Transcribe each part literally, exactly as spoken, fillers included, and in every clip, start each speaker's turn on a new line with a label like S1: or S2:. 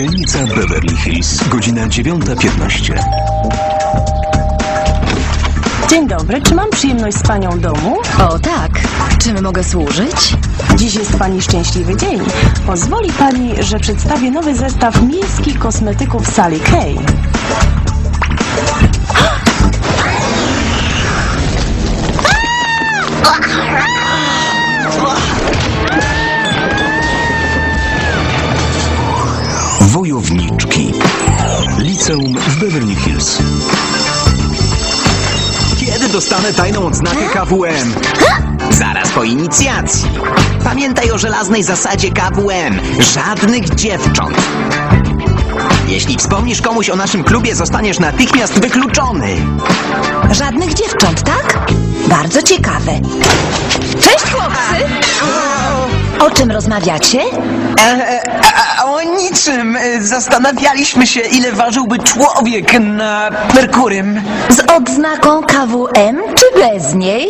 S1: Dzielnica Beverly Hills, godzina dziewiąta piętnaście.
S2: Dzień dobry, czy mam przyjemność z panią domu?
S3: O tak, czym mogę służyć?
S2: Dziś jest pani szczęśliwy dzień. Pozwoli pani, że przedstawię nowy zestaw miejskich kosmetyków Sally Kay.
S1: Wojowniczki. Liceum w Beverly Hills.
S4: Kiedy dostanę tajną odznakę K W M? Zaraz po inicjacji. Pamiętaj o żelaznej zasadzie K W M. Żadnych dziewcząt. Jeśli wspomnisz komuś o naszym klubie, zostaniesz natychmiast wykluczony.
S3: Żadnych dziewcząt, tak? Bardzo ciekawe. Cześć, chłopcy! O czym rozmawiacie?
S4: E, e, a, o niczym. E, Zastanawialiśmy się, ile ważyłby człowiek na Merkurym.
S3: Z odznaką K W M, czy bez niej?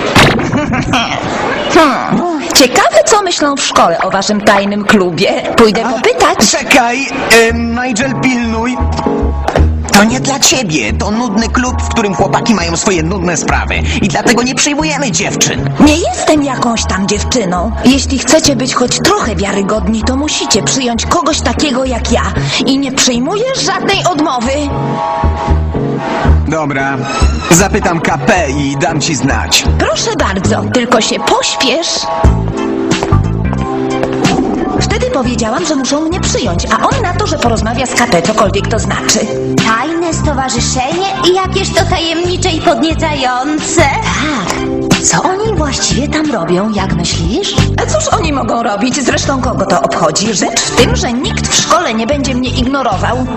S3: Hmm. Ciekawe, co myślą w szkole o waszym tajnym klubie. Pójdę popytać.
S4: Czekaj, e, Nigel, pilnuj. To nie dla ciebie. To nudny klub, w którym chłopaki mają swoje nudne sprawy. I dlatego nie przyjmujemy dziewczyn.
S3: Nie jestem jakąś tam dziewczyną. Jeśli chcecie być choć trochę wiarygodni, to musicie przyjąć kogoś takiego jak ja. I nie przyjmuję żadnej odmowy.
S4: Dobra, zapytam K P i dam ci znać.
S3: Proszę bardzo, tylko się pośpiesz. Wtedy powiedziałam, że muszą mnie przyjąć, a on na to, że porozmawia z K P, cokolwiek to znaczy.
S5: Tajne stowarzyszenie i jakieś to tajemnicze i podniecające.
S3: Tak. Co oni właściwie tam robią, jak myślisz? A cóż oni mogą robić? Zresztą kogo to obchodzi? Rzecz w tym, że nikt w szkole nie będzie mnie ignorował.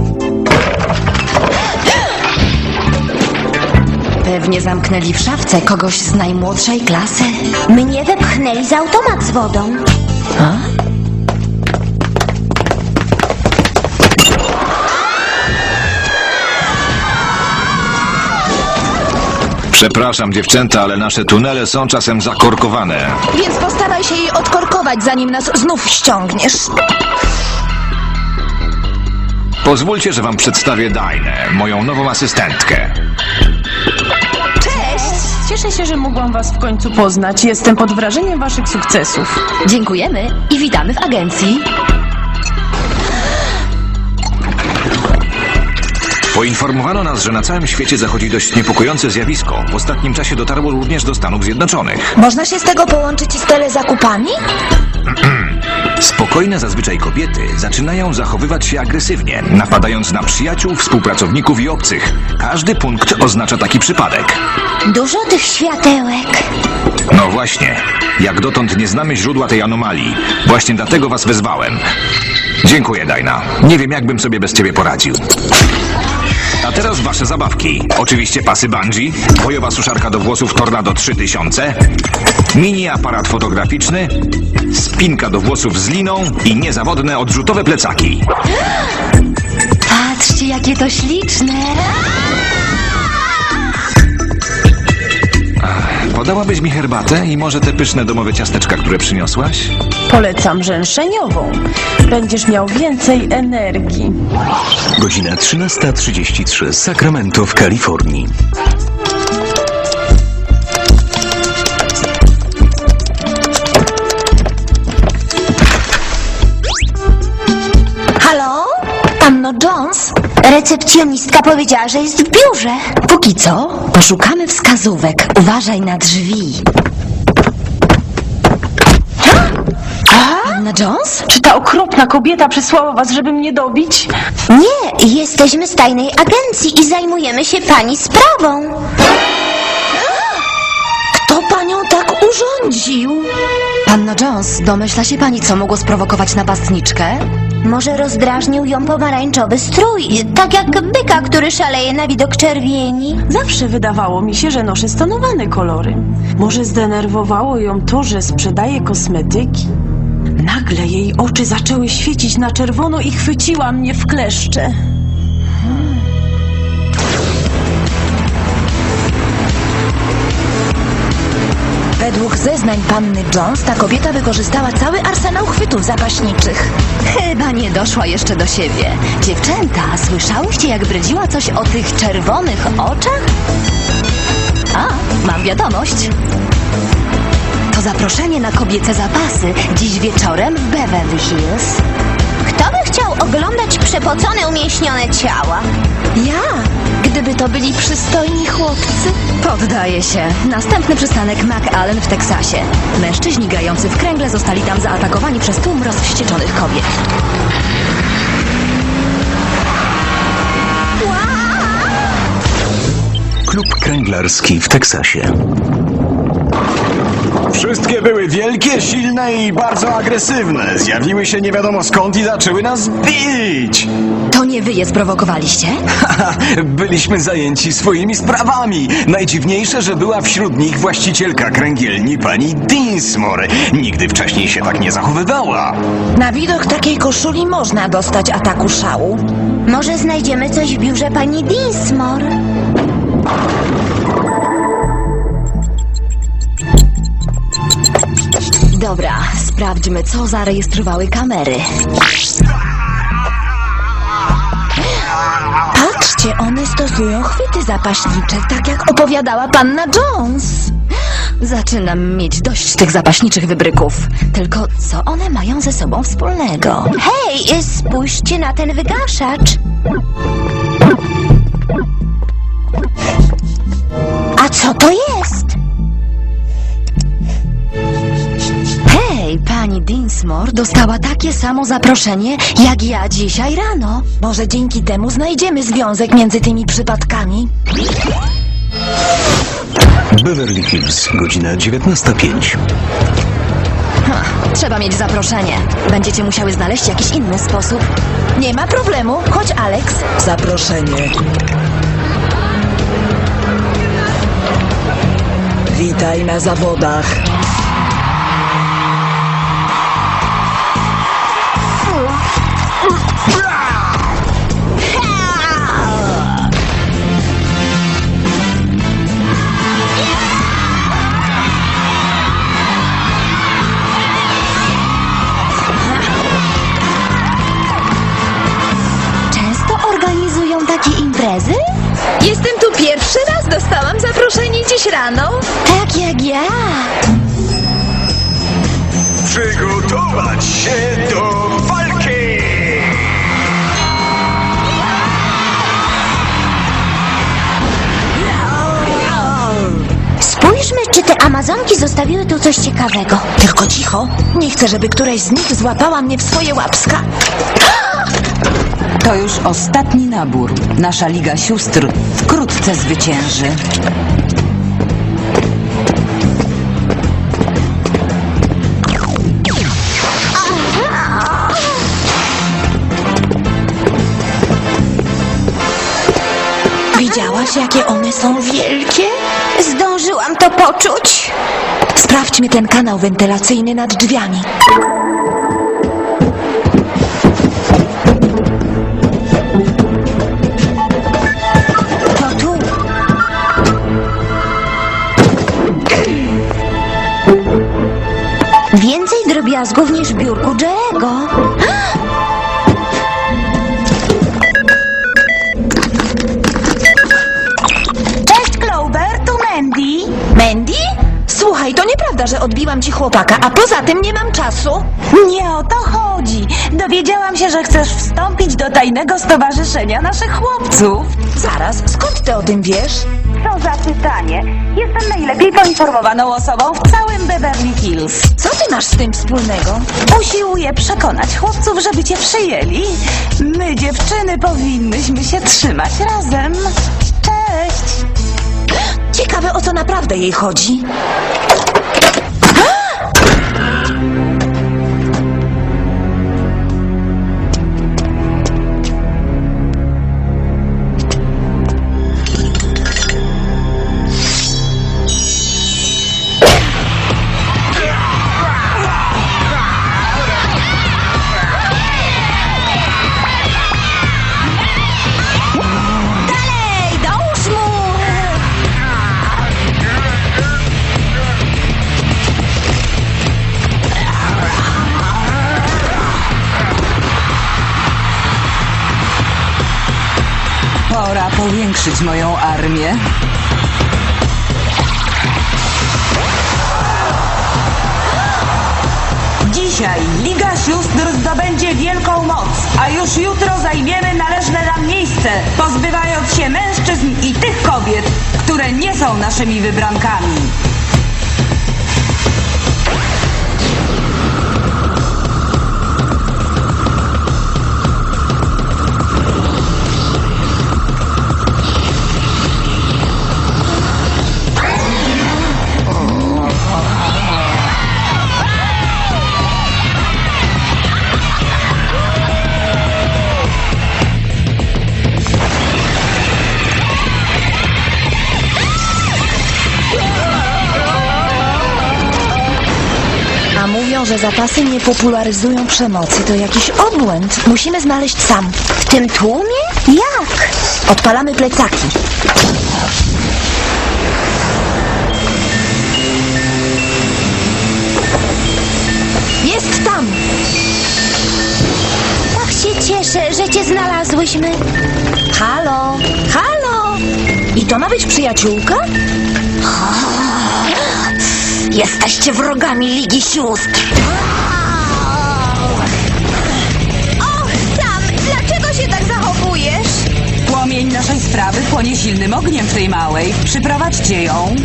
S3: Pewnie zamknęli w szafce kogoś z najmłodszej klasy.
S5: Mnie wepchnęli za automat z wodą.
S3: A?
S6: Przepraszam, dziewczęta, ale nasze tunele są czasem zakorkowane.
S3: Więc postaraj się jej odkorkować, zanim nas znów ściągniesz.
S6: Pozwólcie, że wam przedstawię Dainę, moją nową asystentkę.
S2: Cześć! Cieszę się, że mogłam was w końcu poznać. Jestem pod wrażeniem waszych sukcesów.
S3: Dziękujemy i witamy w agencji.
S6: Poinformowano nas, że na całym świecie zachodzi dość niepokojące zjawisko. W ostatnim czasie dotarło również do Stanów Zjednoczonych.
S3: Można się z tego połączyć z telezakupami?
S6: Spokojne zazwyczaj kobiety zaczynają zachowywać się agresywnie, napadając na przyjaciół, współpracowników i obcych. Każdy punkt oznacza taki przypadek.
S5: Dużo tych światełek.
S6: No właśnie, jak dotąd nie znamy źródła tej anomalii. Właśnie dlatego was wezwałem. Dziękuję, Daina. Nie wiem, jakbym sobie bez ciebie poradził. A teraz wasze zabawki. Oczywiście pasy bungee, bojowa suszarka do włosów Tornado trzy tysiące, mini aparat fotograficzny, spinka do włosów z liną i niezawodne odrzutowe plecaki.
S3: Patrzcie, jakie to śliczne.
S6: Podałabyś mi herbatę i może te pyszne domowe ciasteczka, które przyniosłaś?
S2: Polecam rzęszeniową. Będziesz miał więcej energii.
S1: Godzina trzynasta trzydzieści trzy. Sacramento w Kalifornii.
S5: Halo?
S3: Panno Jones,
S5: Recepcjonistka powiedziała, że jest w biurze.
S3: póki co poszukamy wskazówek. Uważaj na drzwi. Panna Jones?
S2: Czy ta okropna kobieta przysłała was, żeby mnie dobić?
S5: Nie, jesteśmy z tajnej agencji i zajmujemy się pani sprawą.
S3: Kto panią tak urządził? Panno Jones, domyśla się pani, co mogło sprowokować napastniczkę?
S5: Może rozdrażnił ją pomarańczowy strój, tak jak byka, który szaleje na widok czerwieni.
S2: Zawsze wydawało mi się, że noszę stonowane kolory. Może zdenerwowało ją to, że sprzedaje kosmetyki? Nagle jej oczy zaczęły świecić na czerwono i chwyciła mnie w kleszcze.
S3: Według zeznań panny Jones ta kobieta wykorzystała cały arsenał chwytów zapaśniczych. Chyba nie doszła jeszcze do siebie. Dziewczęta, słyszałyście, jak bredziła coś o tych czerwonych oczach? A, mam wiadomość. To zaproszenie na kobiece zapasy dziś wieczorem w Beverly Hills.
S5: Kto by chciał oglądać przepocone, umieśnione ciała?
S3: Ja, gdyby to byli przystojni chłopcy. Poddaję się. Następny przystanek McAllen w Teksasie. Mężczyźni grający w kręgle zostali tam zaatakowani przez tłum rozwścieczonych kobiet.
S1: Klub kręglarski w Teksasie.
S7: Wszystkie były wielkie, silne i bardzo agresywne. Zjawiły się nie wiadomo skąd i zaczęły nas bić.
S3: To nie wy je sprowokowaliście?
S7: Haha, byliśmy zajęci swoimi sprawami. Najdziwniejsze, że była wśród nich właścicielka kręgielni pani Dinsmore. Nigdy wcześniej się tak nie zachowywała.
S3: Na widok takiej koszuli można dostać ataku szału.
S5: Może znajdziemy coś w biurze pani Dinsmore?
S3: Dobra, sprawdźmy, co zarejestrowały kamery. Patrzcie, one stosują chwyty zapaśnicze, tak jak opowiadała panna Jones. Zaczynam mieć dość tych zapaśniczych wybryków. Tylko co one mają ze sobą wspólnego?
S5: Hej, spójrzcie na ten wygaszacz. A co to jest?
S3: Hej, pani Dinsmore dostała takie samo zaproszenie, jak ja dzisiaj rano. Może dzięki temu znajdziemy związek między tymi przypadkami?
S1: Beverly Hills, godzina dziewiętnasta pięć.
S3: Ha, trzeba mieć zaproszenie. Będziecie musiały znaleźć jakiś inny sposób. Nie ma problemu, chodź Alex.
S8: Zaproszenie. Witaj na zawodach.
S3: Często organizują takie imprezy? Jestem tu pierwszy raz, dostałam zaproszenie dziś rano. Tak jak ja.
S7: Przygotować się do walki!
S5: Spójrzmy, czy te Amazonki zostawiły tu coś ciekawego.
S3: Tylko cicho, nie chcę, żeby któraś z nich złapała mnie w swoje łapska.
S9: To już ostatni nabór. Nasza Liga Sióstr wkrótce zwycięży.
S3: Widziałaś, jakie one są wielkie?
S5: Zdążyłam to poczuć.
S3: Sprawdźmy ten kanał wentylacyjny nad drzwiami.
S5: To tu. Więcej drobiazgów niż w biurku Jerego.
S3: Cześć, Clover, tu Mandy. Mandy? Słuchaj, to nieprawda, że odbiłam ci chłopaka, a poza tym nie mam czasu.
S2: Nie o to chodzi. Dowiedziałam się, że chcesz wstąpić do tajnego stowarzyszenia naszych chłopców.
S3: Zaraz, skąd ty o tym wiesz?
S2: Co za pytanie. Jestem najlepiej poinformowaną osobą w całym Beverly Hills.
S3: Co ty masz z tym wspólnego?
S2: Usiłuję przekonać chłopców, żeby cię przyjęli. My, dziewczyny, powinnyśmy się trzymać razem. Cześć!
S3: Ciekawe, o co naprawdę jej chodzi.
S5: Dalej, dołóż mu!
S9: powiększyć moją armię.
S10: Dzisiaj Liga Sióstr zdobędzie wielką moc, a już jutro zajmiemy należne nam miejsce, pozbywając się mężczyzn i tych kobiet, które nie są naszymi wybrankami.
S3: A mówią, że zapasy nie popularyzują przemocy. To jakiś obłęd. Musimy znaleźć Sam.
S5: W tym tłumie? Jak?
S3: Odpalamy plecaki. Jest tam!
S5: Tak się cieszę, że cię znalazłyśmy.
S3: Halo! Halo! I to ma być przyjaciółka? Jesteście wrogami Ligi Sióstr.
S5: Och, Sam, dlaczego się tak zachowujesz?
S10: Płomień naszej sprawy płonie silnym ogniem w tej małej. Przyprowadźcie ją.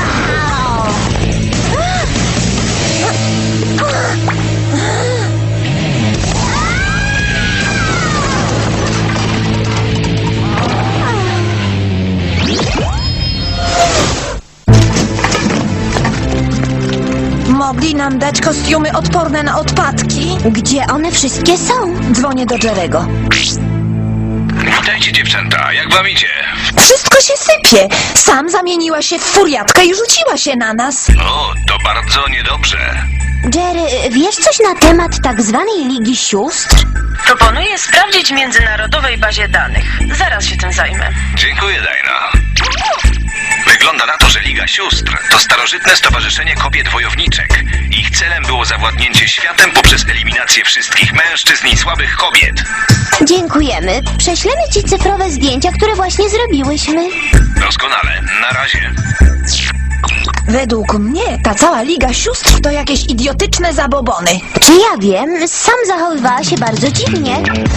S3: Mogli nam dać kostiumy odporne na odpadki.
S5: Gdzie one wszystkie są?
S3: Dzwonię do Jerego.
S6: Witajcie dziewczęta, jak wam idzie?
S3: Wszystko się sypie. Sam zamieniła się w furiatkę i rzuciła się na nas.
S6: O, to bardzo niedobrze.
S5: Jerry, wiesz coś na temat tak zwanej Ligi Sióstr?
S2: Proponuję sprawdzić w międzynarodowej bazie danych. Zaraz się tym zajmę.
S6: Dziękuję, Dajna. Wygląda na to, że Liga Sióstr to starożytne stowarzyszenie kobiet wojowniczek. Ich celem było zawładnięcie światem poprzez eliminację wszystkich mężczyzn i słabych kobiet.
S5: Dziękujemy. Prześlemy ci cyfrowe zdjęcia, które właśnie zrobiłyśmy.
S6: Doskonale, na razie.
S3: Według mnie ta cała Liga Sióstr to jakieś idiotyczne zabobony.
S5: Czy ja wiem? Sam zachowywała się bardzo dziwnie.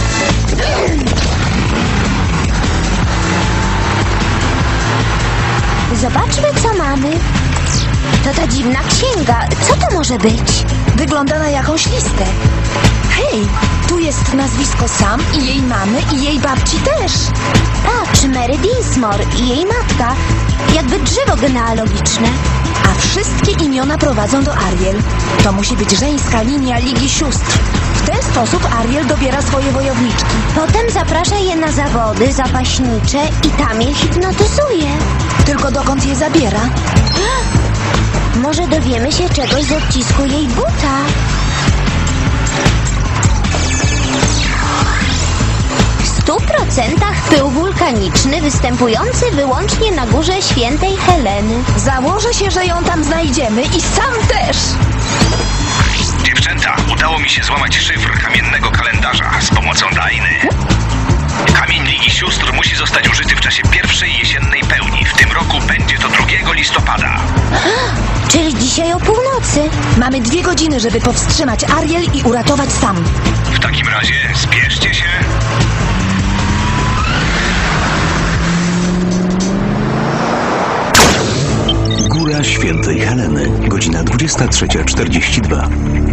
S5: Zobaczmy, co mamy. To ta dziwna księga. Co to może być?
S3: Wygląda na jakąś listę. Hej, tu jest nazwisko Sam i jej mamy i jej babci też.
S5: Patrz, Mary Dinsmore i jej matka. Jakby drzewo genealogiczne.
S3: A wszystkie imiona prowadzą do Ariel. To musi być żeńska linia Ligi Sióstr. W ten sposób Ariel dobiera swoje wojowniczki.
S5: Potem zaprasza je na zawody zapaśnicze i tam je hipnotyzuje.
S3: Tylko dokąd je zabiera?
S5: Może dowiemy się czegoś z odcisku jej buta. W stu procentach pył wulkaniczny występujący wyłącznie na górze Świętej Heleny.
S3: Założę się, że ją tam znajdziemy i Sam też.
S6: Dziewczęta, udało mi się złamać szyfr kamiennego kalendarza z pomocą Dajny. Kamień Ligi Sióstr musi zostać użyty w czasie pierwszej jesiennej pełni. W tym roku będzie to drugiego listopada.
S5: Czyli dzisiaj o północy.
S3: Mamy dwie godziny, żeby powstrzymać Ariel i uratować Sam.
S6: W takim razie spieszcie się.
S1: Góra Świętej Heleny, godzina dwudziesta trzecia czterdzieści dwa.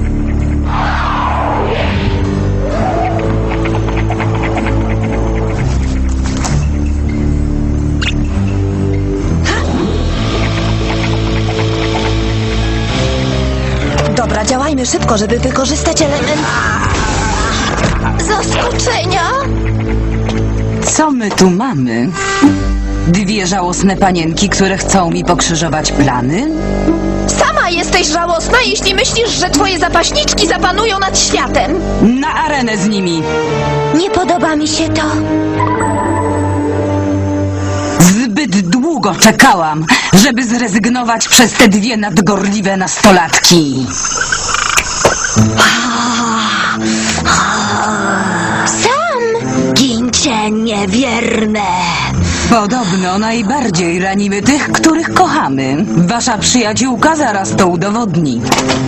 S3: Dobra, działajmy szybko, żeby wykorzystać element zaskoczenia.
S9: Co my tu mamy? Dwie żałosne panienki, które chcą mi pokrzyżować plany?
S3: Sama jesteś żałosna, jeśli myślisz, że twoje zapaśniczki zapanują nad światem.
S9: Na arenę z nimi!
S5: Nie podoba mi się to.
S9: Zbyt długo czekałam, żeby zrezygnować przez te dwie nadgorliwe nastolatki.
S5: Sam!
S3: Gincie niewierne!
S9: Podobno najbardziej ranimy tych, których kochamy. Wasza przyjaciółka zaraz to udowodni.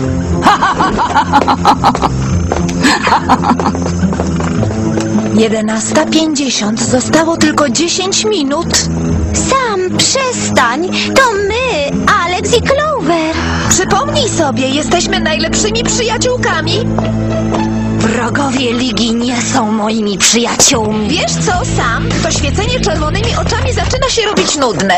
S2: Jedenasta pięćdziesiąt. Zostało tylko dziesięć minut.
S5: Sam, przestań! To my, Alex i Clover.
S2: Przypomnij sobie, jesteśmy najlepszymi przyjaciółkami.
S3: Wrogowie Ligi nie są moimi przyjaciółmi.
S2: Wiesz co, Sam? To świecenie czerwonymi oczami zaczyna się robić nudne.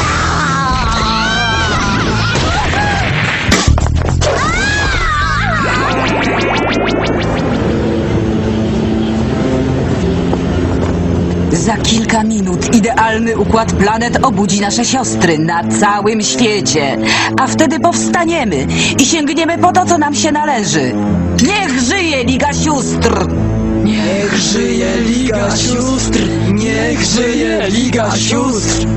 S9: Za kilka minut idealny układ planet obudzi nasze siostry na całym świecie. A wtedy powstaniemy i sięgniemy po to, co nam się należy. Niech żyje Liga Sióstr!
S8: Niech żyje Liga Sióstr! Niech żyje Liga Sióstr!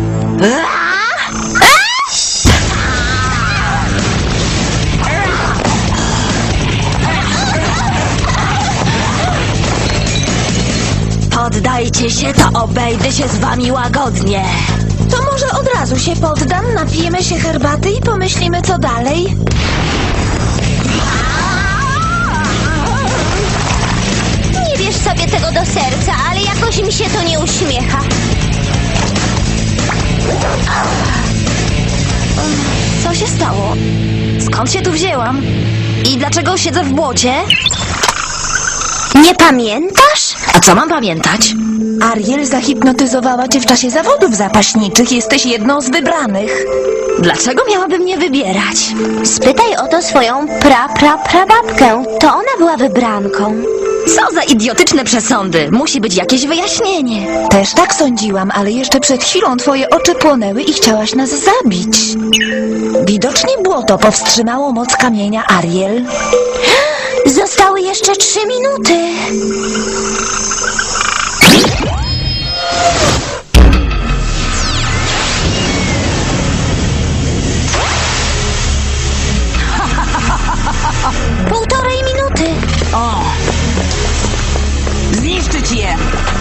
S3: Poddajcie się, to obejdę się z wami łagodnie.
S2: To może od razu się poddam, napijemy się herbaty i pomyślimy, co dalej.
S5: Nie bierz sobie tego do serca, ale jakoś mi się to nie uśmiecha.
S3: Co się stało? Skąd się tu wzięłam? I dlaczego siedzę w błocie?
S5: Nie pamiętasz?
S3: A co mam pamiętać?
S2: Ariel zahipnotyzowała cię w czasie zawodów zapaśniczych. Jesteś jedną z wybranych.
S3: Dlaczego miałaby mnie wybierać?
S5: Spytaj o to swoją pra-pra-prababkę. To ona była wybranką.
S3: Co za idiotyczne przesądy! Musi być jakieś wyjaśnienie.
S2: Też tak sądziłam, ale jeszcze przed chwilą twoje oczy płonęły i chciałaś nas zabić. Widocznie błoto powstrzymało moc kamienia, Ariel.
S5: Zostały jeszcze trzy minuty. Półtorej minuty.
S9: O! Zniszczyć je!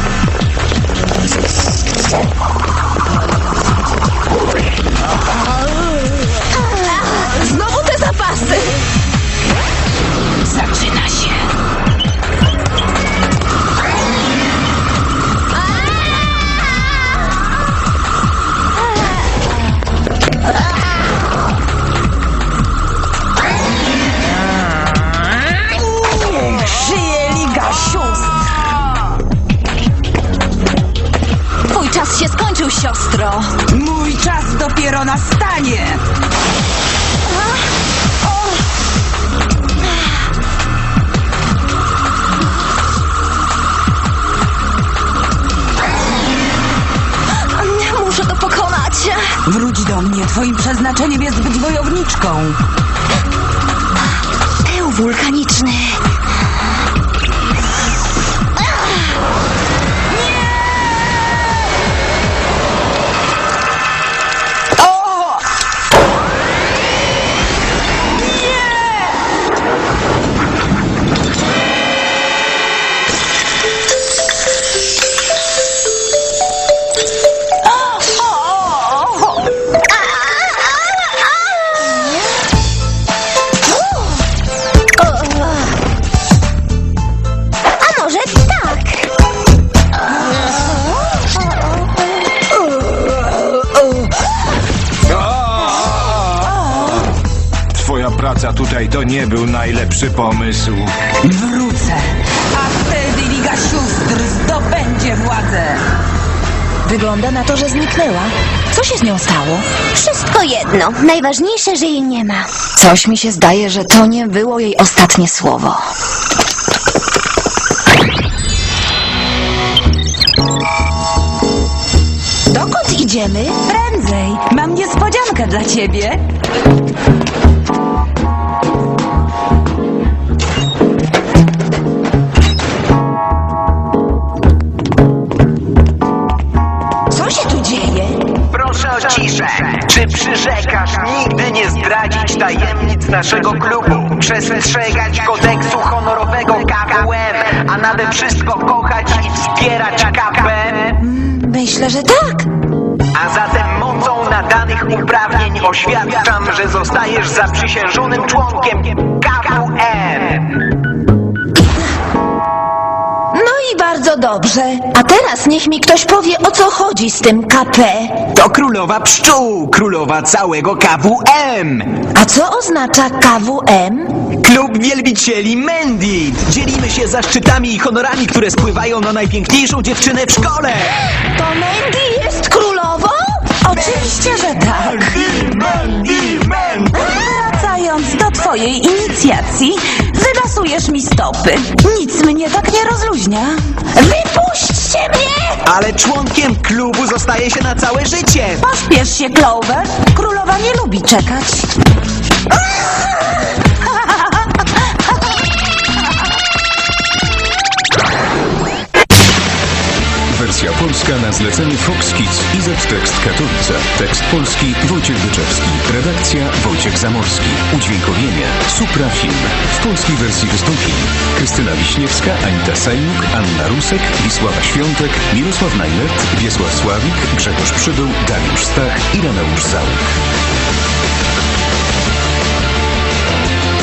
S2: Znowu te zapasy!
S9: Zaczyna się!
S10: Żyje Liga Sióstr!
S3: Twój czas się skończył, siostro.
S10: Mój czas dopiero nastanie!
S3: Muszę to pokonać.
S9: Wróć do mnie, twoim przeznaczeniem jest być wojowniczką.
S3: Pył wulkaniczny.
S5: A może tak?
S6: Twoja praca tutaj to nie był najlepszy pomysł.
S10: Wrócę, a wtedy Liga Sióstr zdobędzie władzę.
S2: Wygląda na to, że zniknęła. Co się z nią stało?
S5: Wszystko jedno. Najważniejsze, że jej nie ma.
S3: Coś mi się zdaje, że to nie było jej ostatnie słowo.
S2: Dokąd idziemy?
S10: Prędzej, mam niespodziankę dla ciebie.
S2: Co się tu dzieje?
S4: Proszę o ciszę. Czy przyrzekasz nigdy nie zdradzić tajemnic naszego klubu, przestrzegać kodeksu honorowego K W M, a nade wszystko kochać i wspierać K P M?
S2: Myślę,
S3: Myślę, że tak.
S4: A zatem mocą nadanych uprawnień oświadczam, że zostajesz zaprzysiężonym członkiem K W M.
S3: No i bardzo dobrze. A teraz niech mi ktoś powie, o co chodzi z tym K P.
S4: To królowa pszczół, królowa całego K W M.
S3: A co oznacza K W M?
S4: Klub Wielbicieli Mendit. Dzielimy się zaszczytami i honorami, które spływają na najpiękniejszą dziewczynę w szkole.
S3: To Mandy jest królową?
S10: Oczywiście, że tak. Wracając do twojej inicjacji, wylasujesz mi stopy. Nic mnie tak nie rozluźnia.
S3: Wypuśćcie mnie!
S4: Ale członkiem klubu zostaje się na całe życie.
S10: Pośpiesz się, Clover. Królowa nie lubi czekać.
S1: Wersja polska na zlecenie Fox Kids i Z-Tekst Katowice. Tekst polski Wojciech Wyczewski. Redakcja Wojciech Zamorski. Udźwiękowienie Supra Film. W polskiej wersji wystąpili Krystyna Wiśniewska, Anita Sajnuk, Anna Rusek, Wisława Świątek, Mirosław Najlet, Wiesław Sławik, Grzegorz Przybył, Dariusz Stach i Reneusz Załuk.